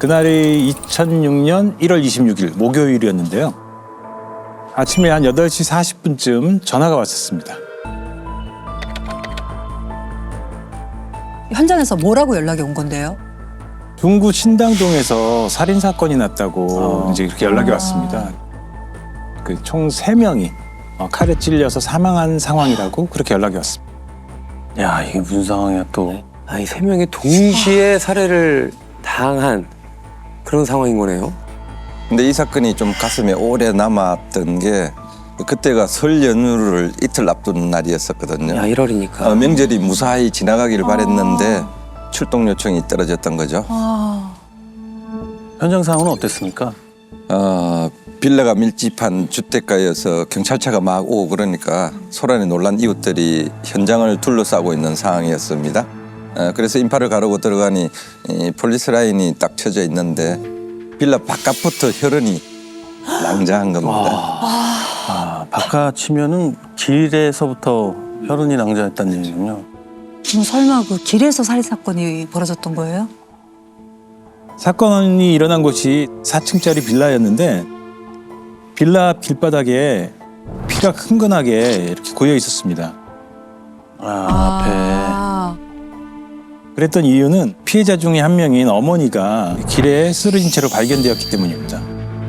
그날이 2006년 1월 26일 목요일이었는데요. 아침에 한 8시 40분쯤 전화가 왔었습니다. 현장에서 뭐라고 연락이 온 건데요? 중구 신당동에서 살인 사건이 났다고 이제 이렇게 연락이 왔습니다. 그 총 3명이 칼에 찔려서 사망한 상황이라고 그렇게 연락이 왔습니다. 야, 이게 무슨 상황이야 또. 아니, 3명이 동시에 살해를 당한 그런 상황인 거네요. 근데 이 사건이 좀 가슴에 오래 남았던 게 그때가 설 연휴를 이틀 앞둔 날이었었거든요. 야, 1월이니까. 명절이 무사히 지나가길 바랬는데 출동 요청이 떨어졌던 거죠. 현장 상황은 어땠습니까? 빌라가 밀집한 주택가여서 경찰차가 막 오고 그러니까 소란에 놀란 이웃들이 현장을 둘러싸고 있는 상황이었습니다. 그래서 인파를 가르고 들어가니 이 폴리스 라인이 딱 쳐져 있는데 빌라 바깥부터 혈흔이 낭자한 겁니다. 바깥 치면은 길에서부터 혈흔이 낭자했다는 얘기군요. 그럼 설마 그 길에서 살인 사건이 벌어졌던 거예요? 사건이 일어난 곳이 4층짜리 빌라였는데 빌라 길바닥에 피가 흥건하게 이렇게 고여 있었습니다. 아, 그랬던 이유는 피해자 중에 한 명인 어머니가 길에 쓰러진 채로 발견되었기 때문입니다.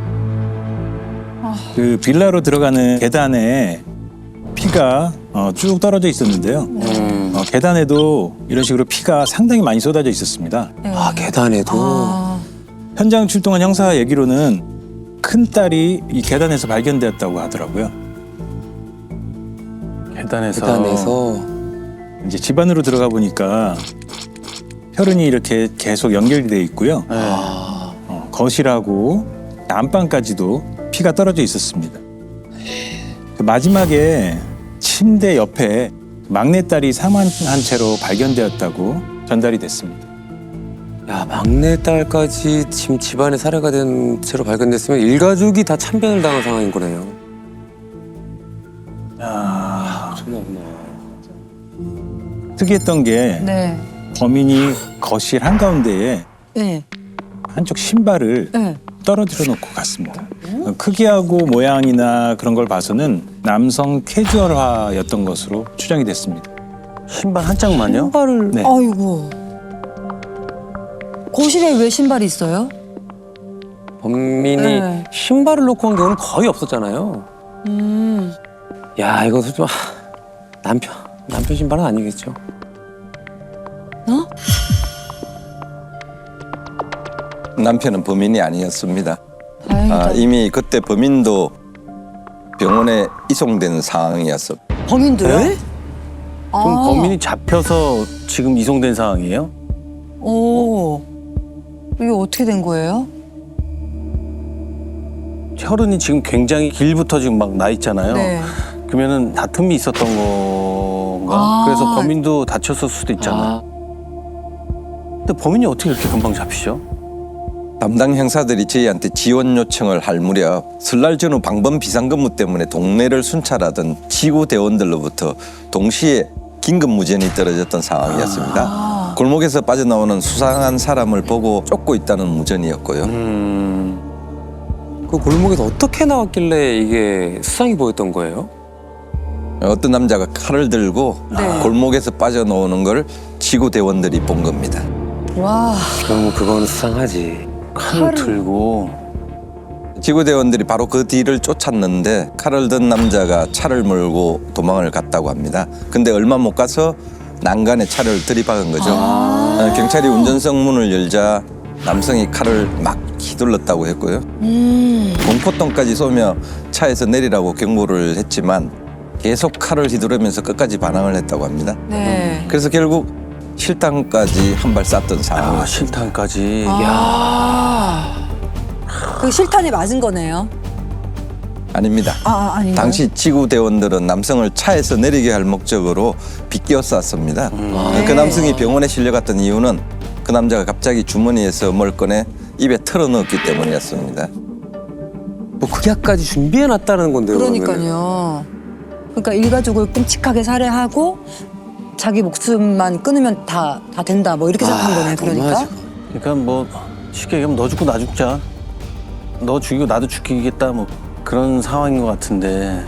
그 빌라로 들어가는 계단에 피가 쭉 떨어져 있었는데요. 계단에도 이런 식으로 피가 상당히 많이 쏟아져 있었습니다. 네. 계단에도. 현장 출동한 형사 얘기로는 큰 딸이 이 계단에서 발견되었다고 하더라고요. 계단에서. 이제 집 안으로 들어가 보니까 혈흔이 이렇게 계속 연결이 돼 있고요. 거실하고 안방까지도 피가 떨어져 있었습니다. 그 마지막에 침대 옆에 막내딸이 사망한 채로 발견되었다고 전달이 됐습니다. 야, 막내딸까지 지금 집안에 살해가 된 채로 발견됐으면 일가족이 다 참변을 당한 상황인 거네요. 엄청나구나. 특이했던 게 네. 범인이 거실 한가운데에 네. 한쪽 신발을 네. 떨어뜨려 놓고 갔습니다. 크기하고 모양이나 그런 걸 봐서는 남성 캐주얼화였던 것으로 추정이 됐습니다. 신발 한 짝만요? 신발을. 네. 아이고. 거실에 왜 신발이 있어요? 범인이 네. 신발을 놓고 한 경우는 거의 없었잖아요. 야, 이거 좀 남편 신발은 아니겠죠? 남편은 범인이 아니었습니다. 다행이다. 이미 그때 범인도 병원에 이송된 상황이었어. 범인도요? 네? 그럼 아. 범인이 잡혀서 지금 이송된 상황이에요? 오. 이게 어떻게 된 거예요? 혈흔이 지금 굉장히 길부터 지금 막 나 있잖아요. 네. 그러면은 다툼이 있었던 건가? 아. 그래서 범인도 다쳤을 수도 있잖아요. 근데 범인이 어떻게 이렇게 금방 잡히죠? 담당 형사들이 저희한테 지원 요청을 할 무렵 설날 전후 방범 비상근무 때문에 동네를 순찰하던 지구 대원들로부터 동시에 긴급 무전이 떨어졌던 상황이었습니다. 골목에서 빠져나오는 수상한 사람을 보고 쫓고 있다는 무전이었고요. 그 골목에서 어떻게 나왔길래 이게 수상이 보였던 거예요? 어떤 남자가 칼을 들고 네. 골목에서 빠져나오는 걸 지구 대원들이 본 겁니다. 와. 그럼 그건 수상하지. 칼을 들고. 지구 대원들이 바로 그 뒤를 쫓았는데 칼을 든 남자가 차를 몰고 도망을 갔다고 합니다. 근데 얼마 못 가서 난간에 차를 들이박은 거죠. 경찰이 운전석 문을 열자 남성이 칼을 막 휘둘렀다고 했고요. 공포똥까지 쏘며 차에서 내리라고 경고를 했지만 계속 칼을 휘두르면서 끝까지 반항을 했다고 합니다. 네. 그래서 결국 실탄까지 한 발 쐈던 상황이었습니다. 실탄까지. 야. 아. 그 실탄에 맞은 거네요. 아닙니다. 아닌가요? 당시 지구 대원들은 남성을 차에서 내리게 할 목적으로 비껴 쐈습니다. 그 남성이 병원에 실려갔던 이유는 그 남자가 갑자기 주머니에서 뭘 꺼내 입에 털어넣었기 때문이었습니다. 뭐 극약까지 준비해놨다는 건데요. 그러면은. 그러니까요. 그러니까 일가족을 끔찍하게 살해하고 자기 목숨만 끊으면 다 된다. 뭐 이렇게 생각한 거네. 그러니까. 그러니까 뭐 쉽게 얘기하면 너 죽고 나 죽자. 너 죽이고 나도 죽이겠다 뭐 그런 상황인 것 같은데.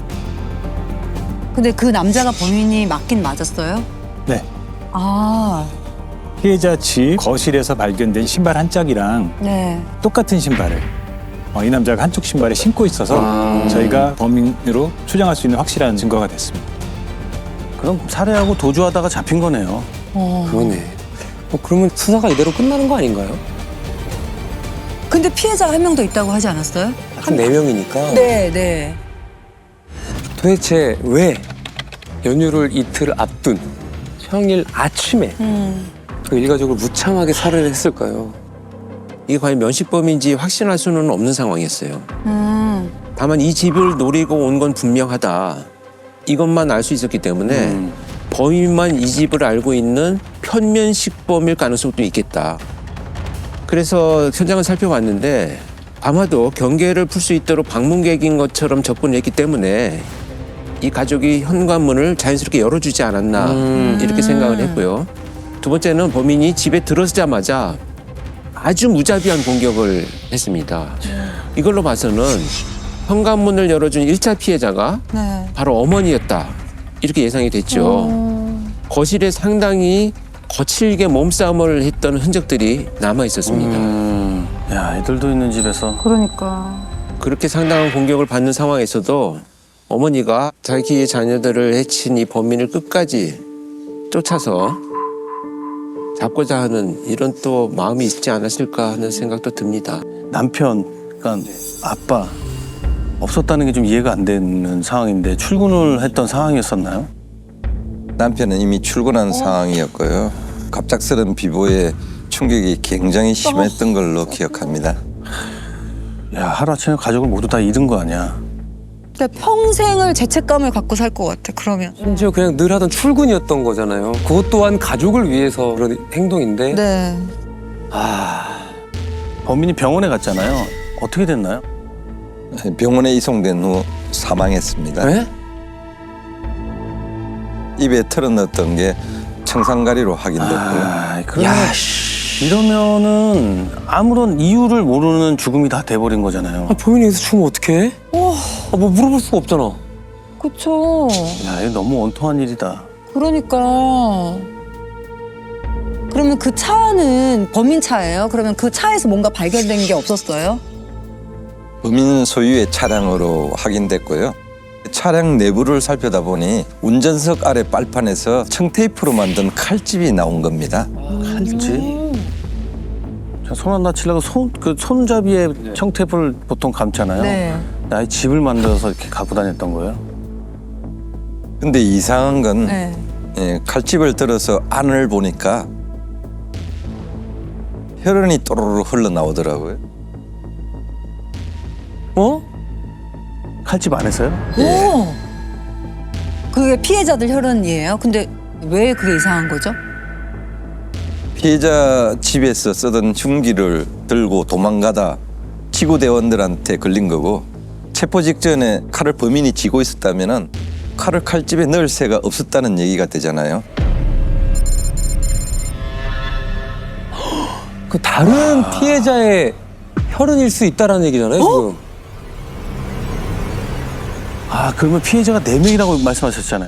근데 그 남자가 범인이 맞긴 맞았어요? 네. 아, 피해자 집 거실에서 발견된 신발 한 짝이랑 네. 똑같은 신발을 이 남자가 한쪽 신발에 신고 있어서 저희가 범인으로 추정할 수 있는 확실한 증거가 됐습니다. 그럼 살해하고 도주하다가 잡힌 거네요. 그러네. 그러면 수사가 이대로 끝나는 거 아닌가요? 근데 피해자가 한 명 더 있다고 하지 않았어요? 한 4명이니까. 네, 네. 도대체 왜 연휴를 이틀 앞둔 평일 아침에 그 일가족을 무참하게 살해를 했을까요? 이게 과연 면식범인지 확신할 수는 없는 상황이었어요. 다만 이 집을 노리고 온 건 분명하다. 이것만 알 수 있었기 때문에 범인만 이 집을 알고 있는 편면식범일 가능성도 있겠다. 그래서 현장을 살펴봤는데 아마도 경계를 풀 수 있도록 방문객인 것처럼 접근했기 때문에 이 가족이 현관문을 자연스럽게 열어주지 않았나 이렇게 생각을 했고요. 두 번째는 범인이 집에 들어서자마자 아주 무자비한 공격을 했습니다. 이걸로 봐서는 현관문을 열어준 1차 피해자가 네. 바로 어머니였다. 이렇게 예상이 됐죠. 거실에 상당히 거칠게 몸싸움을 했던 흔적들이 남아 있었습니다. 야, 애들도 있는 집에서. 그러니까. 그렇게 상당한 공격을 받는 상황에서도 어머니가 자기의 자녀들을 해친 이 범인을 끝까지 쫓아서 잡고자 하는 이런 또 마음이 있지 않았을까 하는 생각도 듭니다. 남편, 그러니까 아빠 없었다는 게 좀 이해가 안 되는 상황인데 출근을 했던 상황이었었나요? 남편은 이미 출근한 상황이었고요. 갑작스런 비보에 충격이 굉장히 심했던 걸로 기억합니다. 야, 하루아침에 가족을 모두 다 잃은 거 아니야. 그러니까 평생을 죄책감을 갖고 살 것 같아, 그러면. 심지어 그냥 늘 하던 출근이었던 거잖아요. 그것 또한 가족을 위해서 그런 행동인데. 네. 범인이 병원에 갔잖아요. 어떻게 됐나요? 병원에 이송된 후 사망했습니다. 네? 입에 털어넣었던 게 청산가리로 확인됐고요. 아, 그러면 이러면은 아무런 이유를 모르는 죽음이 다 돼버린 거잖아요. 범인이 여기서 죽으면 어떡해? 뭐 물어볼 수가 없잖아. 그쵸. 야, 이거 너무 원통한 일이다. 그러니까. 그러면 그 차는 범인 차예요? 그러면 그 차에서 뭔가 발견된 게 없었어요? 범인 소유의 차량으로 확인됐고요. 차량 내부를 살펴다 보니 운전석 아래 빨판에서 청테이프로 만든 칼집이 나온 겁니다. 칼집? 손 안 다치려고 손잡이에 청테이프를 보통 감잖아요. 네. 아예 집을 만들어서 이렇게 갖고 다녔던 거예요? 근데 이상한 건 네. 칼집을 들어서 안을 보니까 혈흔이 또르르 흘러나오더라고요. 칼집 안에서요? 오! 그게 피해자들 혈흔이에요? 근데 왜 그게 이상한 거죠? 피해자 집에서 쓰던 흉기를 들고 도망가다 지구대원들한테 걸린 거고 체포 직전에 칼을 범인이 쥐고 있었다면 칼을 칼집에 넣을 새가 없었다는 얘기가 되잖아요. 그 다른 피해자의 혈흔일 수 있다라는 얘기잖아요, 지금. 아, 그러면 피해자가 4명이라고 말씀하셨잖아요.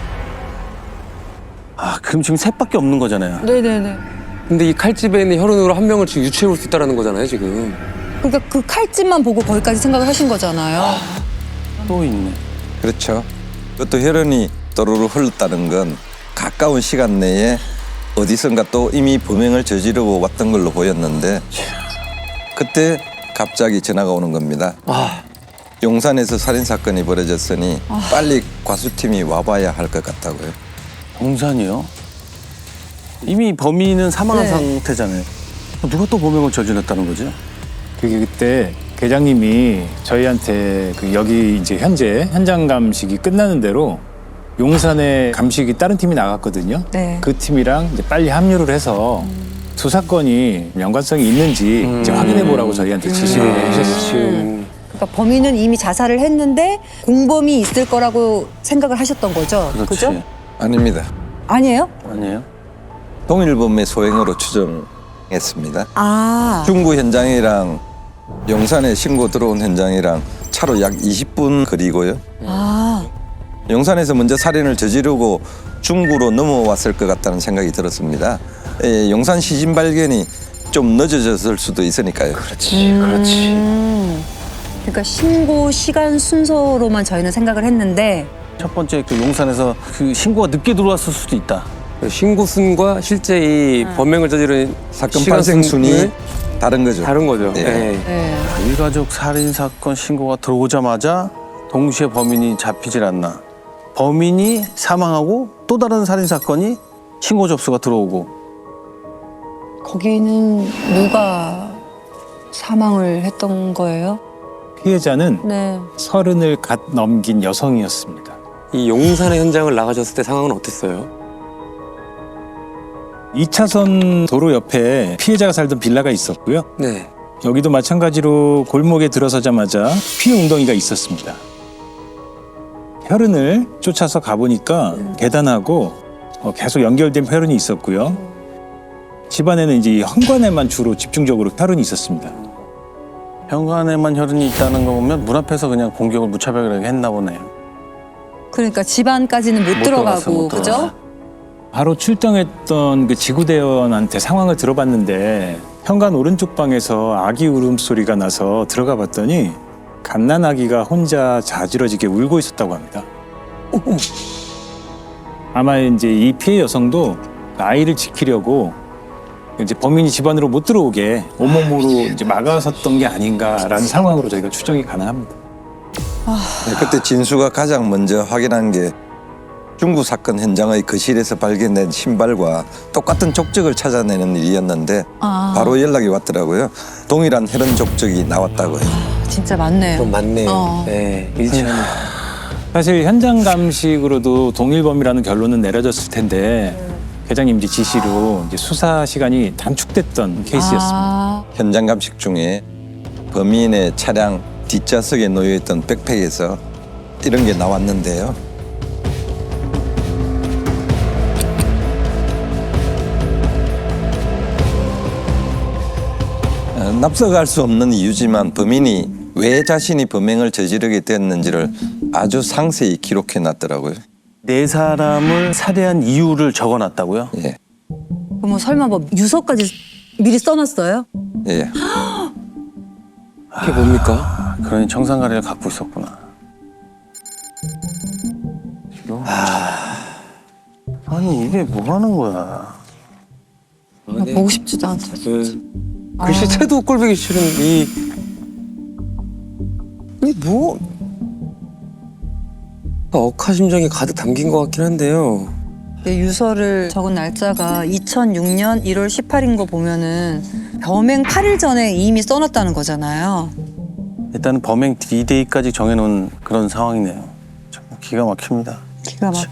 아, 그럼 지금 셋밖에 없는 거잖아요. 네네네. 근데 이 칼집에 있는 혈흔으로 한 명을 지금 유추해 볼 수 있다는 거잖아요, 지금. 그러니까 그 칼집만 보고 거기까지 생각을 하신 거잖아요. 또 있네. 그렇죠. 그것도 혈흔이 또르르 흘렀다는 건 가까운 시간 내에 어디선가 또 이미 범행을 저지르고 왔던 걸로 보였는데 그때 갑자기 전화가 오는 겁니다. 용산에서 살인사건이 벌어졌으니 빨리 과수팀이 와봐야 할 것 같다고요. 용산이요? 이미 범인은 사망한 네. 상태잖아요. 누가 또 범행을 저질렀다는 거죠? 그때 계장님이 저희한테 여기 이제 현재 현장 감식이 끝나는 대로 용산에 감식이 다른 팀이 나갔거든요. 네. 그 팀이랑 이제 빨리 합류를 해서 두 사건이 연관성이 있는지 이제 확인해 보라고 저희한테 지시를 해주셨어요. 그러니까 범인은 이미 자살을 했는데 공범이 있을 거라고 생각을 하셨던 거죠? 그렇지. 그죠? 아닙니다. 아니에요? 아니에요? 동일범의 소행으로 했습니다. 아, 중구 현장이랑 용산에 신고 들어온 현장이랑 차로 약 20분 거리고요. 아, 용산에서 먼저 살인을 저지르고 중구로 넘어왔을 것 같다는 생각이 들었습니다. 용산 시신 발견이 좀 늦어졌을 수도 있으니까요. 그러니까 신고 시간 순서로만 저희는 생각을 했는데 첫 번째 그 용산에서 그 신고가 늦게 들어왔을 수도 있다. 신고 순과 실제 이 범행을 저지른 사건 시간 발생 순위 순위는 다른 거죠. 다른 거죠. 예. 예. 네. 일가족 살인 사건 신고가 들어오자마자 동시에 범인이 잡히질 않나. 범인이 사망하고 또 다른 살인 사건이 신고 접수가 들어오고. 거기는 누가 사망을 했던 거예요? 피해자는 네. 30을 갓 넘긴 여성이었습니다. 이 용산의 현장을 나가셨을 때 상황은 어땠어요? 2차선 도로 옆에 피해자가 살던 빌라가 있었고요. 네. 여기도 마찬가지로 골목에 들어서자마자 피 웅덩이가 있었습니다. 혈흔을 쫓아서 가보니까 계단하고 계속 연결된 혈흔이 있었고요. 집안에는 이제 이 현관에만 주로 집중적으로 혈흔이 있었습니다. 현관에만 혈흔이 있다는 거 보면 문 앞에서 그냥 공격을 무차별하게 했나 보네요. 그러니까 집 안까지는 못 들어갔어, 들어가고 못 그죠? 들어갔어. 바로 출동했던 그 지구대원한테 상황을 들어봤는데 현관 오른쪽 방에서 아기 울음소리가 나서 들어가 봤더니 갓난아기가 혼자 자지러지게 울고 있었다고 합니다. 아마 이제 이 피해 여성도 아이를 지키려고 이제 범인이 집 안으로 못 들어오게 온몸으로 이제 막아섰던 게 아닌가라는 상황으로 저희가 추정이 가능합니다. 네, 그때 진수가 가장 먼저 확인한 게 중구 사건 현장의 거실에서 발견된 신발과 똑같은 족적을 찾아내는 일이었는데 아, 바로 연락이 왔더라고요. 동일한 혈흔 족적이 나왔다고요. 진짜 많네요. 좀 많네요. 어. 네. 일치하는. 사실 현장 감식으로도 동일범이라는 결론은 내려졌을 텐데 회장님 이제 지시로 이제 수사 시간이 단축됐던 케이스였습니다. 아, 현장 감식 중에 범인의 차량 뒷좌석에 놓여있던 백팩에서 이런 게 나왔는데요. 납득할 수 없는 이유지만 범인이 왜 자신이 범행을 저지르게 됐는지를 아주 상세히 기록해 놨더라고요. 네 사람을 살해한 이유를 적어놨다고요? 예, 그럼 설마 뭐 유서까지 미리 써놨어요? 예. 그게 뭡니까? 그러니 청산가리를 갖고 있었구나. 아니 이게 뭐 하는 거야? 네. 보고 싶지도 않다. 글씨체도 꼴보기 싫은 뭐 억하심정이 가득 담긴 것 같긴 한데요. 유서를 적은 날짜가 2006년 1월 18인 거 보면은 범행 8일 전에 이미 써놨다는 거잖아요. 일단은 범행 D-Day까지 정해놓은 그런 상황이네요. 참 기가 막힙니다. 기가 막혀.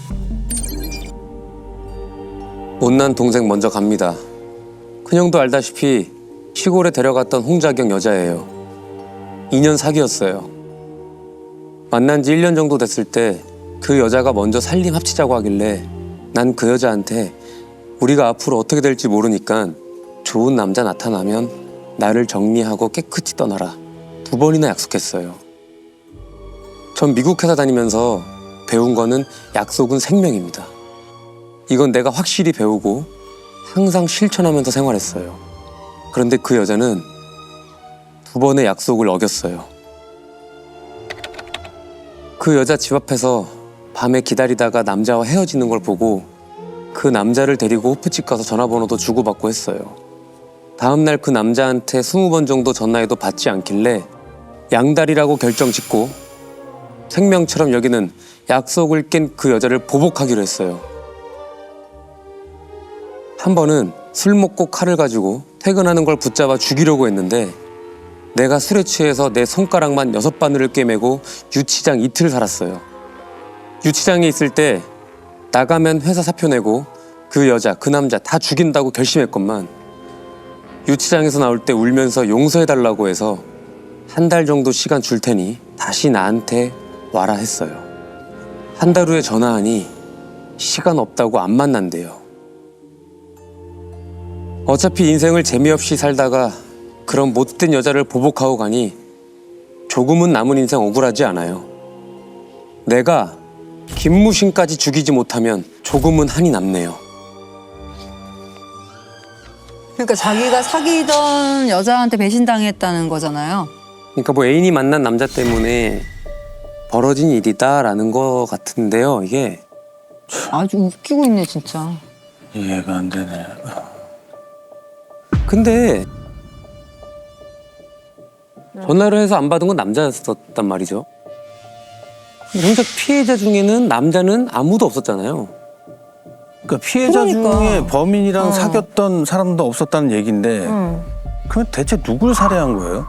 못난 동생 먼저 갑니다. 큰형도 알다시피 시골에 데려갔던 홍자경 여자예요. 2년 사귀었어요. 만난 지 1년 정도 됐을 때 그 여자가 먼저 살림 합치자고 하길래 난 그 여자한테 우리가 앞으로 어떻게 될지 모르니까 좋은 남자 나타나면 나를 정리하고 깨끗이 떠나라. 2번이나 약속했어요. 전 미국 회사 다니면서 배운 거는 약속은 생명입니다. 이건 내가 확실히 배우고 항상 실천하면서 생활했어요. 그런데 그 여자는 2번의 약속을 어겼어요. 그 여자 집 앞에서 밤에 기다리다가 남자와 헤어지는 걸 보고 그 남자를 데리고 호프집 가서 전화번호도 주고받고 했어요. 다음날 그 남자한테 20번 정도 전화해도 받지 않길래 양다리라고 결정짓고 생명처럼 여기는 약속을 깬 그 여자를 보복하기로 했어요. 한 번은 술 먹고 칼을 가지고 퇴근하는 걸 붙잡아 죽이려고 했는데 내가 술에 취해서 내 손가락만 6바늘을 꿰매고 유치장 이틀 살았어요. 유치장에 있을 때 나가면 회사 사표 내고 그 여자, 그 남자 다 죽인다고 결심했건만 유치장에서 나올 때 울면서 용서해달라고 해서 1달 정도 시간 줄 테니 다시 나한테 와라 했어요. 1달 후에 전화하니 시간 없다고 안 만난대요. 어차피 인생을 재미없이 살다가 그런 못된 여자를 보복하고 가니 조금은 남은 인생 억울하지 않아요. 내가 김무신까지 죽이지 못하면 조금은 한이 남네요. 그러니까 자기가 사귀던 여자한테 배신당했다는 거잖아요. 그러니까 뭐 애인이 만난 남자 때문에 벌어진 일이다라는 거 같은데요. 이게 아주 웃기고 있네 진짜. 이해가 안 되네. 근데 전화를 해서 안 받은 건 남자였었단 말이죠. 정작 피해자 중에는 남자는 아무도 없었잖아요. 그러니까 피해자 그러니까. 중에 범인이랑 어. 사귀었던 사람도 없었다는 얘기인데 그럼 대체 누굴 살해한 거예요?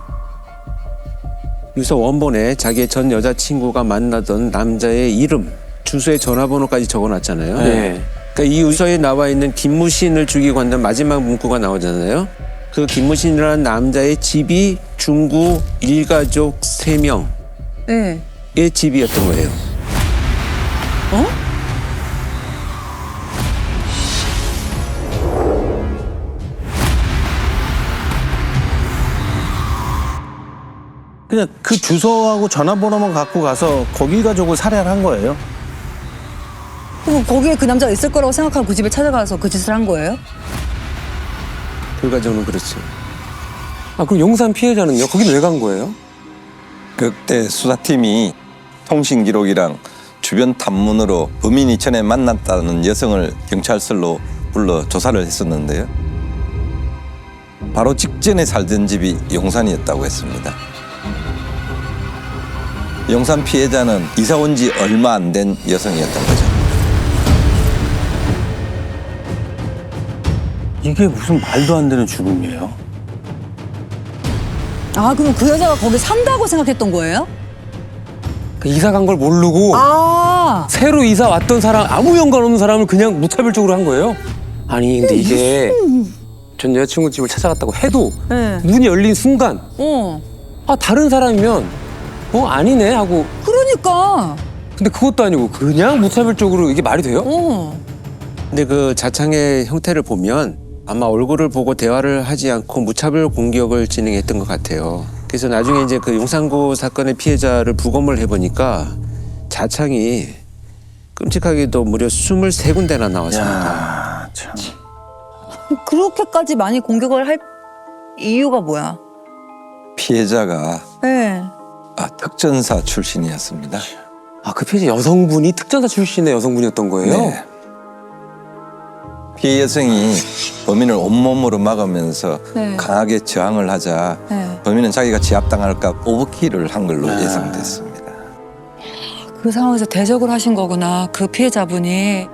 유서 원본에 자기의 전 여자친구가 만나던 남자의 이름, 주소에 전화번호까지 적어놨잖아요. 네. 그러니까 이 유서에 나와 있는 김무신을 죽이고 한다는 마지막 문구가 나오잖아요. 그 김무신이라는 남자의 집이 중구 일가족 3명의 네. 집이었던 거예요. 그냥 그 주소하고 전화번호만 갖고 가서 거기 가족을 살해를 한 거예요? 그럼 거기에 그 남자가 있을 거라고 생각하고 그 집에 찾아가서 그 짓을 한 거예요? 결과적으로는 그렇죠. 아 그럼 용산 피해자는요? 거긴 왜 간 거예요? 그때 수사팀이 통신 기록이랑 주변 탐문으로 범인이 전에 만났다는 여성을 경찰서로 불러 조사를 했었는데요. 바로 직전에 살던 집이 용산이었다고 했습니다. 용산 피해자는 이사 온 지 얼마 안 된 여성이었던 거죠. 이게 무슨 말도 안 되는 죽음이에요? 아 그럼 그 여자가 거기 산다고 생각했던 거예요? 그 이사 간 걸 모르고 아 새로 이사 왔던 사람 아무 연관 없는 사람을 그냥 무차별적으로 한 거예요? 아니 근데 이게 전 여자친구 집을 찾아갔다고 해도 네. 문이 열린 순간 어 아 다른 사람이면 아니네 하고 그러니까 근데 그것도 아니고 그냥 무차별적으로 이게 말이 돼요? 근데 그 자창의 형태를 보면 아마 얼굴을 보고 대화를 하지 않고 무차별 공격을 진행했던 것 같아요. 그래서 나중에 이제 그 용산구 사건의 피해자를 부검을 해보니까 자창이 끔찍하게도 무려 23군데나 나왔습니다. 야, 참. 그렇게까지 많이 공격을 할 이유가 뭐야? 피해자가 네. 특전사 출신이었습니다. 아 그 피해자 여성분이 특전사 출신의 여성분이었던 거예요? 네. 피해 여성이 범인을 온몸으로 막으면서 네. 강하게 저항을 하자 네. 범인은 자기가 제압당할까 오버킬을 한 걸로 예상됐습니다. 그 상황에서 대적을 하신 거구나 그 피해자분이.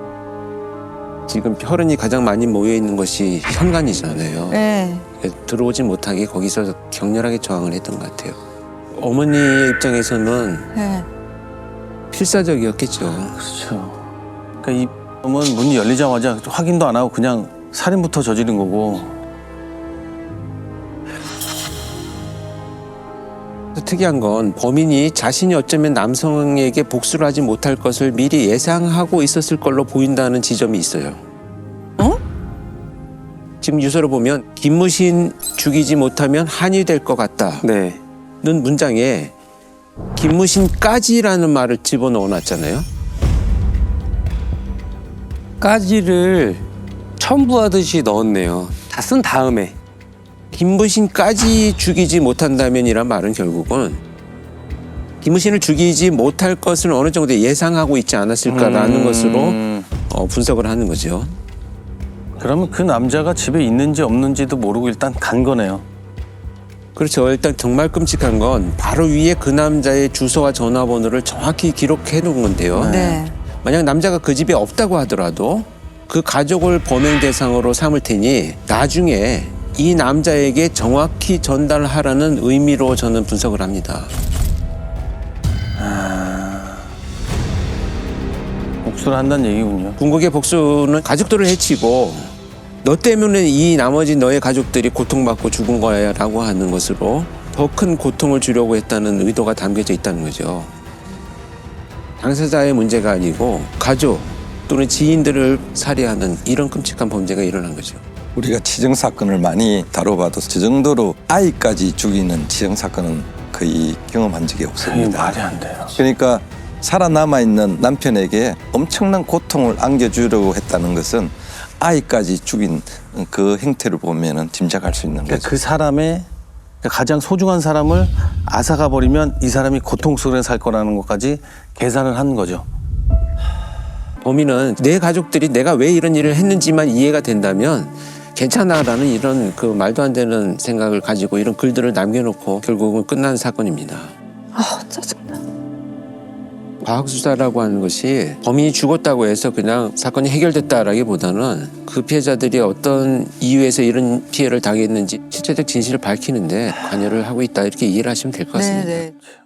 지금 혈흔이 가장 많이 모여 있는 것이 현관이잖아요. 네. 들어오지 못하게 거기서 격렬하게 저항을 했던 것 같아요. 어머니의 입장에서는 네. 필사적이었겠죠. 그렇죠. 그러니까 이 범은 문이 열리자마자 확인도 안 하고 그냥 살인부터 저지른 거고. 특이한 건 범인이 자신이 어쩌면 남성에게 복수를 하지 못할 것을 미리 예상하고 있었을 걸로 보인다는 지점이 있어요. 어? 지금 유서를 보면 김무신 죽이지 못하면 한이 될 것 같다는 네. 문장에 김무신까지라는 말을 집어넣어 놨잖아요. 까지를 첨부하듯이 넣었네요. 다 쓴 다음에. 김무신까지 죽이지 못한다면이란 말은 결국은 김무신을 죽이지 못할 것을 어느 정도 예상하고 있지 않았을까라는 것으로 분석을 하는 거죠. 그러면 그 남자가 집에 있는지 없는지도 모르고 일단 간 거네요. 그렇죠. 일단 정말 끔찍한 건 바로 위에 그 남자의 주소와 전화번호를 정확히 기록해 놓은 건데요. 네. 만약 남자가 그 집에 없다고 하더라도 그 가족을 범행 대상으로 삼을 테니 나중에 이 남자에게 정확히 전달하라는 의미로 저는 분석을 합니다. 복수를 한다는 얘기군요. 궁극의 복수는 가족들을 해치고 너 때문에 이 나머지 너의 가족들이 고통받고 죽은 거야 라고 하는 것으로 더 큰 고통을 주려고 했다는 의도가 담겨져 있다는 거죠. 당사자의 문제가 아니고 가족 또는 지인들을 살해하는 이런 끔찍한 범죄가 일어난 거죠. 우리가 치정 사건을 많이 다뤄봐도 저 정도로 아이까지 죽이는 치정 사건은 거의 경험한 적이 그게 없습니다. 말이 안 돼요. 그러니까 살아남아 있는 남편에게 엄청난 고통을 안겨주려고 했다는 것은 아이까지 죽인 그 행태를 보면은 짐작할 수 있는 그러니까 거죠. 그 사람의 가장 소중한 사람을 앗아가 버리면 이 사람이 고통 속에 살 거라는 것까지 계산을 한 거죠. 범인은 내 가족들이 내가 왜 이런 일을 했는지만 이해가 된다면 괜찮아라는 이런 그 말도 안 되는 생각을 가지고 이런 글들을 남겨놓고 결국은 끝난 사건입니다. 아, 짜증나. 과학수사라고 하는 것이 범인이 죽었다고 해서 그냥 사건이 해결됐다라기보다는 그 피해자들이 어떤 이유에서 이런 피해를 당했는지 실체적 진실을 밝히는데 관여를 하고 있다 이렇게 이해를 하시면 될 것 같습니다. 네, 네.